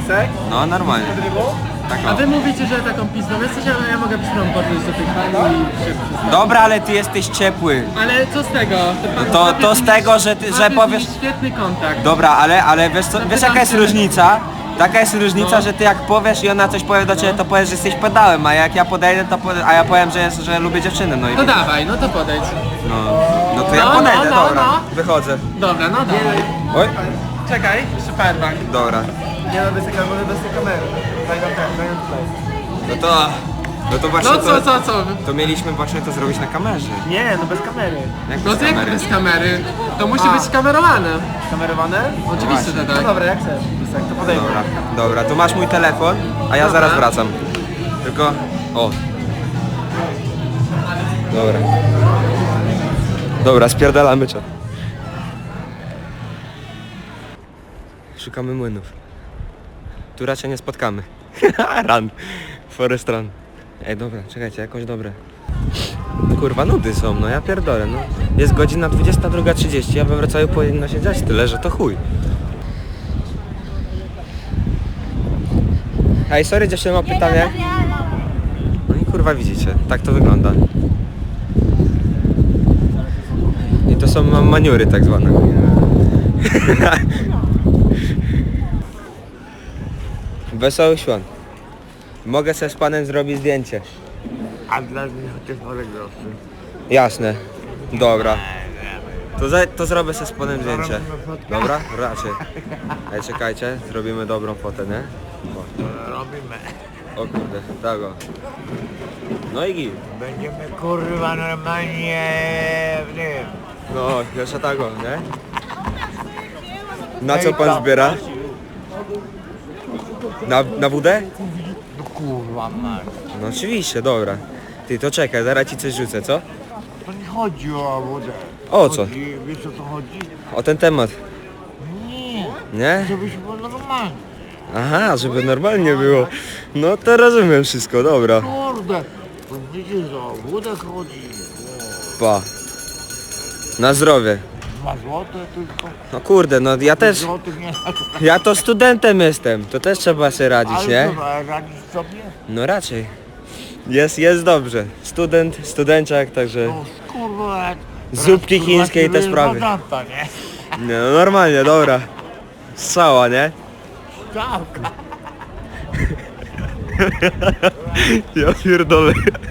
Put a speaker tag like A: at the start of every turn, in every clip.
A: Lisek?
B: No normalnie. Tak,
C: A
B: o.
C: wy mówicie, że taką pizdą jesteś, ale ja mogę pizdą podejść do tych pani i się przyznać.
B: Dobra, ale ty jesteś ciepły.
C: Ale co z tego?
B: To z tego, że powiesz...
C: Świetny kontakt.
B: Dobra, ale wiesz, co, wiesz jaka jest różnica? Taka jest różnica, że ty jak powiesz i ona coś powie do ciebie, to powiesz, że jesteś pedałem, a jak ja podejdę, a ja powiem, że lubię dziewczyny, no i...
C: No dawaj, no to podejdź.
B: No to ja
C: No,
B: podejdę,
C: no,
B: dobra,
C: no.
B: wychodzę.
C: Dobra, no dawaj.
B: Oj,
C: Czekaj, jeszcze powerbank.
B: dobra.
A: Nie no, bez tej kamery. Daj nam tutaj.
B: No to właśnie
C: No co?
B: to mieliśmy właśnie to zrobić na kamerze.
A: Nie, no bez kamery.
B: Jak
C: No
B: bez
C: to jak
B: kamery?
C: bez kamery? To musi być kamerowane.
A: Kamerowane?
C: Oczywiście, że
A: No
C: tak.
A: dobra, jak chcesz, Lisek, to podejdę.
B: Dobra, to masz mój telefon, a ja
C: Dobra.
B: zaraz wracam. Tylko... O. Dobra, spierdalamy czat. Szukamy młynów. Tu raczej nie spotkamy. Run. Forest run. Ej, dobra, czekajcie, jakąś dobre. Kurwa, nudy są, no ja pierdolę, no. Jest godzina 22:30, a we Wrocławiu powinno się dziać tyle, że to chuj. Ej, sorry, dziewczyny, mam pytanie. No i kurwa, widzicie, tak to wygląda. I to są maniury tak zwane. Wesoły świąt. Mogę sobie z panem zrobić zdjęcie.
A: A dla mnie chociaż parę groszy.
B: Jasne. Dobra. To zrobię sobie z panem zdjęcie. Dobra? Raczej. Ej, czekajcie, zrobimy dobrą fotę, nie?
A: Robimy.
B: O kurde, tak o. No i git.
A: Będziemy kurwa normalnie w tym.
B: No, jeszcze tak o, nie? Na co pan zbiera? Na wódę?
A: No kurwa masz.
B: No oczywiście, dobra. Ty, to czekaj, zaraz ci coś rzucę, co?
A: To nie chodzi o wodę.
B: O co?
A: Wiesz o co chodzi?
B: O ten temat.
A: Nie,
B: Nie?
A: żebyś było normalnie.
B: Aha, żeby normalnie było. No to rozumiem wszystko, dobra.
A: Kurde, to widzisz, że o wodę chodzi.
B: Pa. Na zdrowie.
A: 2 złote tylko.
B: No kurde, no ja też,
A: Złotych nie.
B: ja to studentem jestem, to też trzeba sobie radzić,
A: Ale
B: nie?
A: co, radzisz sobie?
B: No raczej. Jest dobrze. Studenciak, także
A: No kurwa.
B: zupki chińskie i te sprawy.
A: Badanta, nie?
B: Nie, no normalnie, dobra. Strzała, nie?
A: Tak.
B: Ja pierdolę.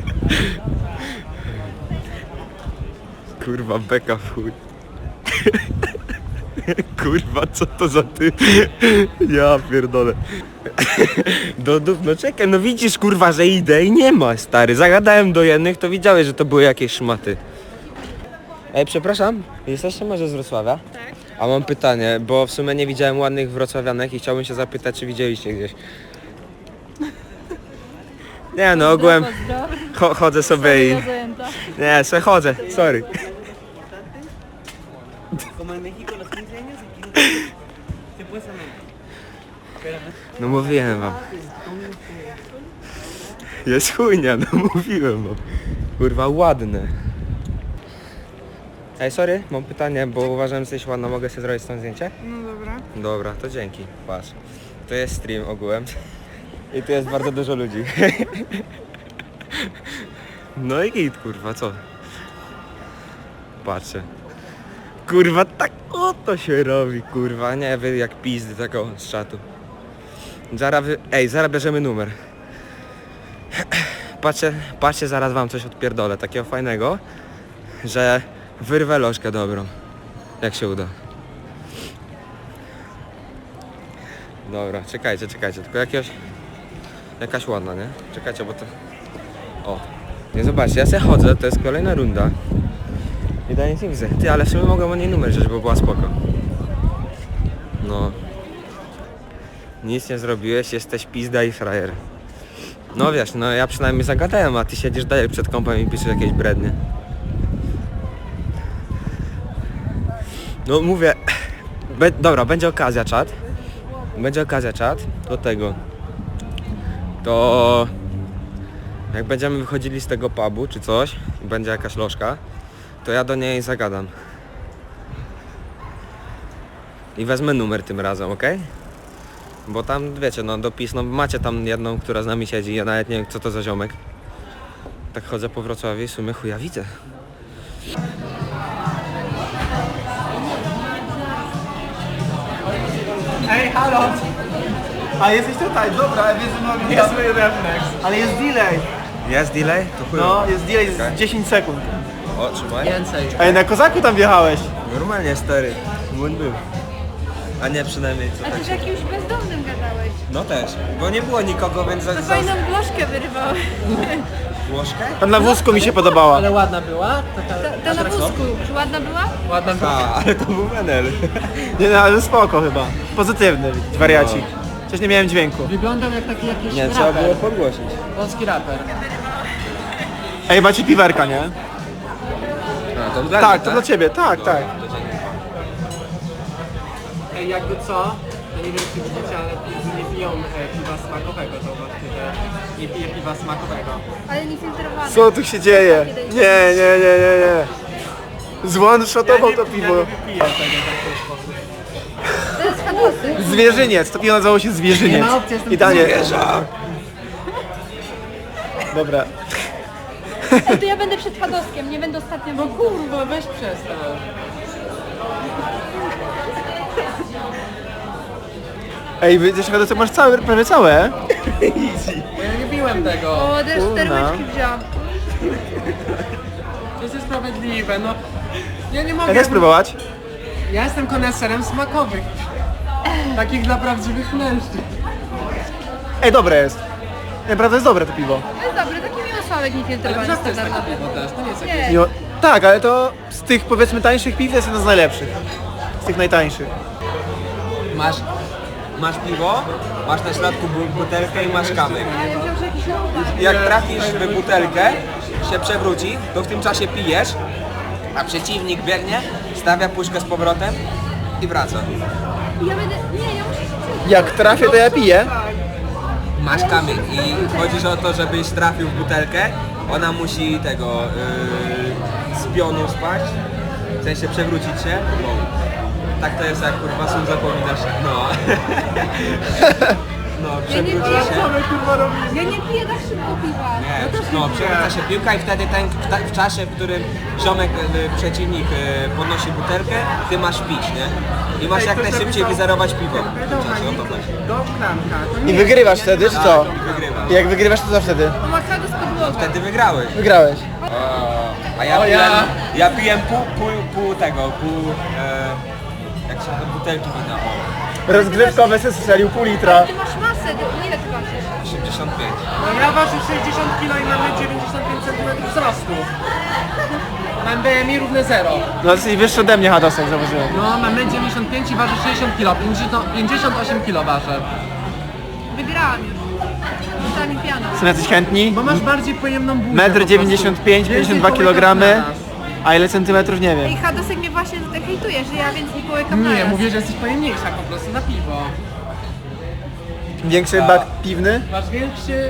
B: Kurwa, beka w chuj. Kurwa, co to za ty? Ja pierdolę. No czekaj, no widzisz kurwa, że idę i nie ma, stary. Zagadałem do jednych, to widziałeś, że to były jakieś szmaty. Ej, przepraszam, jesteście może z Wrocławia? Tak. A mam pytanie, bo w sumie nie widziałem ładnych wrocławianek i chciałbym się zapytać, czy widzieliście gdzieś. Nie no, ogółem chodzę sobie i... Nie, sobie chodzę, sorry. No mówiłem wam. Jest chujnia, no mówiłem wam. Kurwa, ładne. Ej, sorry, mam pytanie, bo uważam, że jesteś ładna, mogę sobie zrobić stąd zdjęcie?
D: No dobra.
B: Dobra, to dzięki, patrz. To jest stream ogółem. I tu jest bardzo dużo ludzi. No i git, kurwa, co? Patrzcie. Kurwa, tak oto się robi, kurwa, nie wy jak pizdy taką z czatu. Zaraz bierzemy numer. Patrzcie, zaraz wam coś odpierdolę, takiego fajnego, że wyrwę lożkę dobrą, jak się uda. Dobra, czekajcie, tylko jakaś ładna, nie? Czekajcie, bo to... O, nie zobaczcie, ja sobie chodzę, to jest kolejna runda. I daję nic nie widzę. Ty, ale w sumie mogę o niej numer wziąć, bo była spoko. No. Nic nie zrobiłeś, jesteś pizda i frajer. No wiesz, no ja przynajmniej zagadałem, a ty siedzisz dalej przed kompem i piszesz jakieś brednie. No mówię... Dobra, będzie okazja, czat. Będzie okazja, czat, do tego. To... Jak będziemy wychodzili z tego pubu czy coś, i będzie jakaś lożka, to ja do niej zagadam. I wezmę numer tym razem, ok? Bo tam, wiecie, no dopis, no macie tam jedną, która z nami siedzi, ja nawet nie wiem, co to za ziomek. Tak chodzę po Wrocławiu i w sumie chuja widzę.
A: Ej, halo! A jesteś tutaj, dobra, ja wiesz, że mamy...
C: Jest mój refleks.
A: Ale jest delay.
B: Jest delay? To chuj.
A: No, jest delay z
B: Okej.
A: 10 sekund.
B: O, trzymaj.
C: Więcej.
A: Ej, na kozaku tam wjechałeś.
B: Normalnie, stary. Błąd był. A nie przynajmniej co
D: A
B: tak
D: ty z
B: się...
D: jakimś bezdomnym gadałeś.
B: No też, bo nie było nikogo, więc
D: To fajną błoszkę wyrywałeś.
B: Łożkę?
A: Tam na wózku mi się podobała.
C: Ale ładna była?
D: Ta na wózku. Czy ładna była?
C: Ładna była.
B: A, ale to był menel.
A: Nie no, ale spoko chyba. Pozytywny wariacik. Przecież nie miałem dźwięku.
C: Wyglądał jak taki jakiś
B: Nie, trzeba
C: raper.
B: było podgłosić.
C: Polski raper.
A: Ej, macie piwerka, nie?
B: A, to dla mnie,
A: Tak, to dla ciebie, tak, tak.
C: Ej, jakby co? To nie wiem czy widzicie, ale nie piją piwa smakowego, zobaczcie, że nie pije piwa smakowego.
D: Ale nie filtrowane.
A: Co tu się dzieje? Nie. Zwanshotował to piwo.
C: Ja nie wypiję tego w taki sposób.
D: To jest hadosy.
A: Zwierzyniec, to piwo nazywało się Zwierzyniec.
C: Nie ma opcji, jestem
A: I Daniel. Dobra.
D: Ej, to ja będę przed hadoskiem, nie będę ostatnią.
C: No kurwa, weź przestań.
A: Ej, widzisz, to masz całe, prawie całe.
C: Bo ja nie piłem tego.
D: O, też
A: Kurna.
D: sterłeczki wziąłam.
C: To jest niesprawiedliwe, no. Ja nie
A: Ja
C: mogę.
A: chcę spróbować.
C: Ja jestem koneserem smakowych. Takich dla prawdziwych mężczyzn.
A: Ej, dobre jest. Naprawdę jest dobre to piwo.
D: To jest dobre, taki miły sławek
C: Ale
D: niefiltrowany
C: wrzask to jest
D: standardowy.
C: takie piwo też, to nie jest jakieś...
D: Nie.
A: Jo, tak, ale to z tych powiedzmy tańszych piw jest jedno z najlepszych. Z tych najtańszych.
B: Masz piwo, masz na środku butelkę i masz kamyk.
D: Ale ja myślałam, że jakiś ląd.
B: Jak trafisz w butelkę, się przewróci, to w tym czasie pijesz, a przeciwnik biegnie, stawia puszkę z powrotem i wraca.
D: Ja będę... Nie, ja muszę się
A: Jak trafię, to ja piję.
B: Masz kamyk i chodzi o to, żebyś trafił w butelkę, ona musi tego z pionu spaść, w sensie przewrócić się. Tak to jest jak kurwa sól zapominasz. No. No,
D: Ja nie
B: przewróci
D: piję,
B: się.
D: ja nie piję tak szybko piwa.
B: Nie, no, przewraca się piłka i wtedy w czasie, w którym ziomek, przeciwnik podnosi butelkę, ty masz pić, nie? I masz jak najszybciej wyzerować piwo. W tym czasie, o to chodzi.
C: Do klamka. To
A: I
C: nie
A: wygrywasz wtedy, czy co?
B: I wygrywasz.
A: I jak wygrywasz, to co wtedy?
D: Pomachado z podłogą.
B: Wtedy wygrałeś.
A: Wygrałeś.
B: A ja
C: O,
B: piłem,
C: ja.
B: ja piłem pół tego, jak się nazywa, butelki wina,
A: Rozgrywkowe se strzelił pół litra.
D: Ty masz masę, ile ty ważysz?
B: 85.
C: No ja ważę 60 kg i mamy 95 cm wzrostu. Mam BMI równe 0.
A: No jesteś wyższy ode mnie, Hadosek, zauważyłem.
C: No mamy 95 i waży 60 kg. 58 kg ważę.
D: Wygrałam już. Została mi piana.
A: Są jacyś chętni?
C: Bo masz bardziej pojemną buzię.
A: Metr
C: po prostu.
A: 95,
C: Więcej
A: 52
C: połykam
A: kg.
C: naraz.
A: A ile centymetrów nie
D: Ej,
A: wiem.
D: hadosek mnie właśnie hejtuje, że ja więcej nie połykam
C: Nie,
D: naraz.
C: mówię, że jesteś pojemniejsza po prostu na piwo.
A: Większy bak piwny?
C: Masz większy...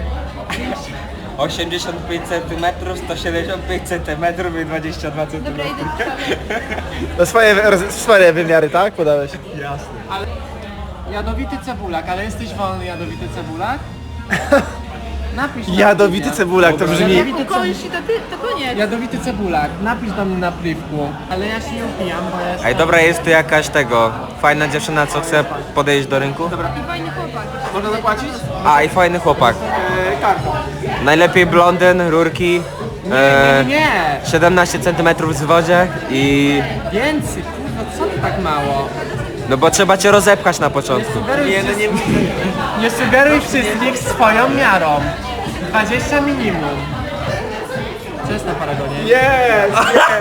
B: 85 cm, 175 cm i 22 cm.
D: Dobra, idę do przodu.
A: To swoje wymiary, tak? Podałeś.
C: Ale... Jadowity cebulak, ale jesteś wolny jadowity cebulak? Napisz na
A: Jadowity
C: pliwie.
A: cebulak, to brzmi...
C: Jadowity
D: Ukończysz i to koniec.
C: Jadowity cebulak, napisz do mnie na pliwku. Ale ja się nie upijam, bo ja jestem...
B: Ej, dobra, jest tu jakaś tego, fajna dziewczyna, co chce podejść do rynku?
D: I fajny chłopak.
A: Można zapłacić?
B: A, i fajny chłopak.
A: Kartą.
B: Najlepiej blondyn, rurki,
C: Nie!
B: 17 cm w wodzie i...
C: Więcej, kurwa, co ty tak mało?
B: No bo trzeba cię rozepchać na
C: Nie
B: początku.
C: sugeruj, nie sugeruj wszystkich swoją miarą. 20 minimum. Co jest na paragonie?
A: Jest!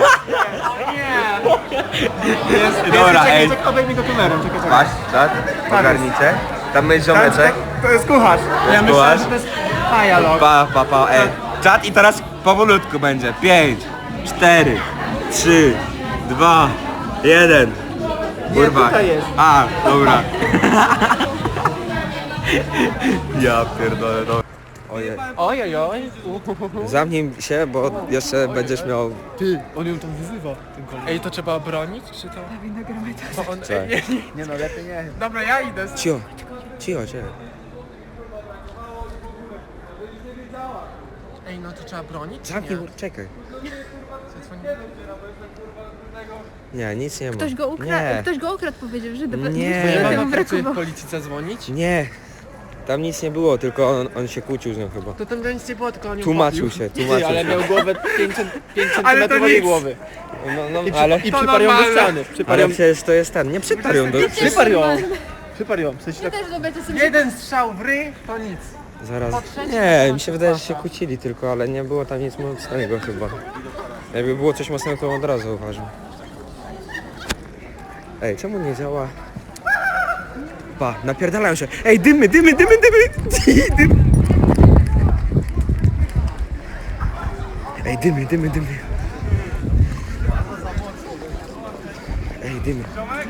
C: Nie.
B: Dobra, ej.
A: Obejmij go kamerą, czekaj.
B: Patrz, czat, ogarnijcie. Tam jest ziomeczek.
A: To jest kucharz.
C: Ja myślałem,
B: Byłaś?
C: że to jest dialog.
B: Pa, ej. Czat i teraz powolutku będzie. 5, 4, 3, 2, 1. Kurwa.
A: tutaj jest.
B: A, dobra. Ja pierdolę, dobra. Ojej.
C: Oj, oj, oj.
B: Zamknij się, bo jeszcze będziesz miał...
A: Ty, on ją tam wyzywa, ten koleś.
C: Ej, to trzeba bronić, czy to? Bo on,
B: Tak.
A: Nie no, lepiej nie.
C: Dobra, ja idę.
B: Cicho, cicho.
C: Ej, no to trzeba bronić, czy
B: Zamknij,
C: nie?
B: czekaj. Nie, nic nie ma.
D: Ktoś go ukradł,
B: Nie,
D: ktoś go ukradł, powiedział, że
B: Nie.
C: Moja
D: temu
C: mama pracuje w
D: brakowało.
C: policji, zadzwonić?
B: nie. Tam nic nie było, tylko on się kłócił z nią chyba.
C: To tam nic nie było, tylko on ją
B: Tłumaczył
C: pobił.
B: się, tłumaczył
A: Ale
B: się.
A: miał głowę 5
C: Ale to
A: cm
C: nic.
A: głowy.
B: No, ale...
A: I
C: To
A: przyparł ją do
C: normalne.
A: ściany. Przyparł
B: Ale
A: ją.
B: przecież to jest ten, nie przyparł ją do...
A: Przyparł ją. Przyparł ją. W sensie
D: Ja
A: tak.
D: też zobaczę sobie.
C: Jeden strzał w ryj, to nic.
B: Zaraz.
C: Po trzecie
B: Nie,
C: to
B: mi się wydaje, że się
C: płaka.
B: kłócili tylko, ale nie było tam nic mocnego chyba. Jakby było coś mocnego, to od razu uważam. Ej, czemu nie działa? Pa, napierdalają się. Ej, dymy! Dym. Ej, dymy. Ej, dymy.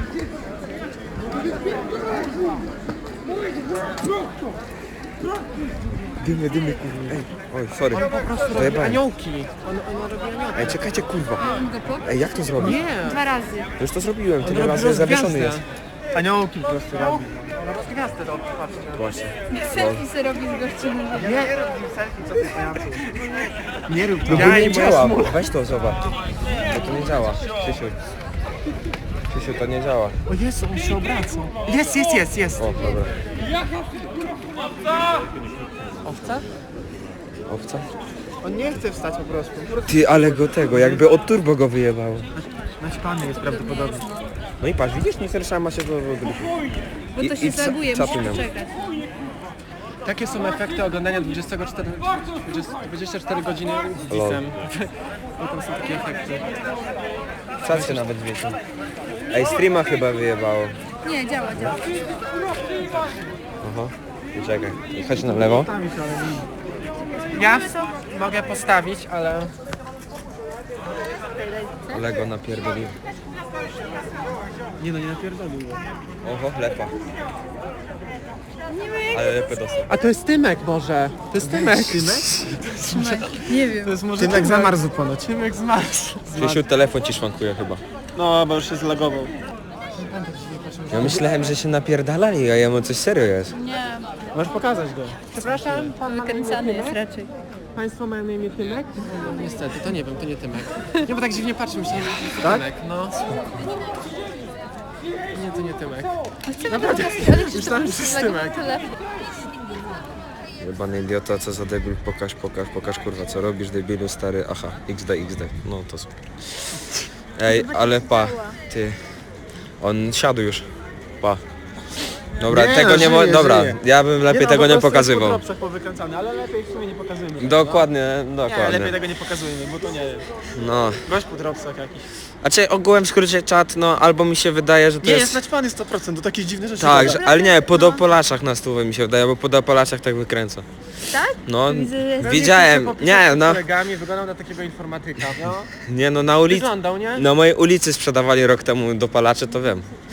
B: Dymy, kurwa. Ej, oj, sorry.
C: On po prostu robi
B: Zajebałem.
C: aniołki. On robi aniołki.
B: Ej, czekajcie, kurwa. Ej, jak to zrobić?
C: Nie.
D: 2 razy.
B: Już to zrobiłem, tyle
C: robi
B: razy zawieszony
C: rozgwiazdę.
B: jest.
A: Aniołki po prostu robi.
C: On rozgwiazdę robi, patrzcie.
B: Właśnie.
D: Selfie se robi z gościną.
C: Nie rób nim selfie, co ty pajacu.
A: Nie rób
B: No
A: to.
B: bo
C: Ja
B: nie
C: i moja
B: działa.
C: smula.
B: Weź to zobacz. Bo to nie działa. Krzysiu, to nie działa.
C: O Jezu, on się obraca. Jest.
B: O, dobra.
C: Owca?
B: Owca?
A: On nie chce wstać po prostu.
B: Ty, ale go tego, jakby od turbo go wyjebało.
A: Naćpany jest prawdopodobnie.
B: No i patrz, widzisz, nie ma się do gryfu.
D: Bo to
B: I-
D: się
B: i ca-
D: zaguje,
B: czapy
D: musisz
B: miał.
D: czekać.
C: Jakie są efekty oglądania 24 godziny z disem? No tam są takie efekty.
B: Czas się nawet wiecie. Ej, streama chyba wyjebało.
D: Nie, działa.
B: Aha. I czekaj. I chodź na lewo.
C: Ja mogę postawić, ale...
B: Ale go napierdolił.
A: Nie no, nie napierdolił go.
B: Oho, lepa. Ale lepę dostał.
C: A to jest Tymek może. To jest Tymek.
D: Nie wiem.
C: To jest może
A: Tymek zamarzł ponoć.
C: Tymek zmarzł.
B: Krzysiu, telefon ci szwankuje chyba.
A: No, bo już się zlagował.
B: Ja myślałem, że się napierdalali, a jemu coś serio jest.
D: Nie,
A: Możesz pokazać go.
C: Przepraszam, pan ma na imię
D: wykręcany jest
C: Tymek?
D: raczej.
C: Państwo mają na imię Tymek? No, niestety, to nie wiem, to nie Tymek. Nie, bo tak dziwnie patrzę, myślałem, że to Tymek, no. Nie, to nie Tymek.
D: Naprawdę, ale
C: Myślałem, że to jest Tymek.
D: telefon.
B: Jebany idiota, co za debil, pokaż kurwa, co robisz debilu stary, aha, XD, no to super. Ej, ale pa, ty, on siadł już, pa. Dobra,
A: Nie,
B: tego
A: no,
B: nie
A: żyje,
B: dobra,
A: żyje.
B: ja bym lepiej tego nie pokazywał.
A: Po dropsach powykręcane, ale lepiej w sumie nie pokazujmy.
B: Dokładnie,
A: Nie, lepiej
B: dokładnie.
A: tego nie pokazujmy, bo to nie jest.
B: No,
A: Gość po dropsach jakiś.
B: a czy ogółem w skrócie czat, no albo mi się wydaje, że to
A: Nie, jest
B: jest...
A: naćpany 100%, to takie dziwne rzeczy.
B: Tak,
A: gada.
B: że, ale nie, po dopolaczach na stówę mi się wydaje, bo po dopolaczach tak wykręca.
D: Tak?
B: No,
D: Widzę, że jest-
B: widziałem, nie,
C: Z
B: no,
C: kolegami wyglądał na takiego informatyka. No.
B: nie no, na ulicy,
C: Wyglądał, nie?
B: na mojej ulicy sprzedawali rok temu dopalacze, to wiem.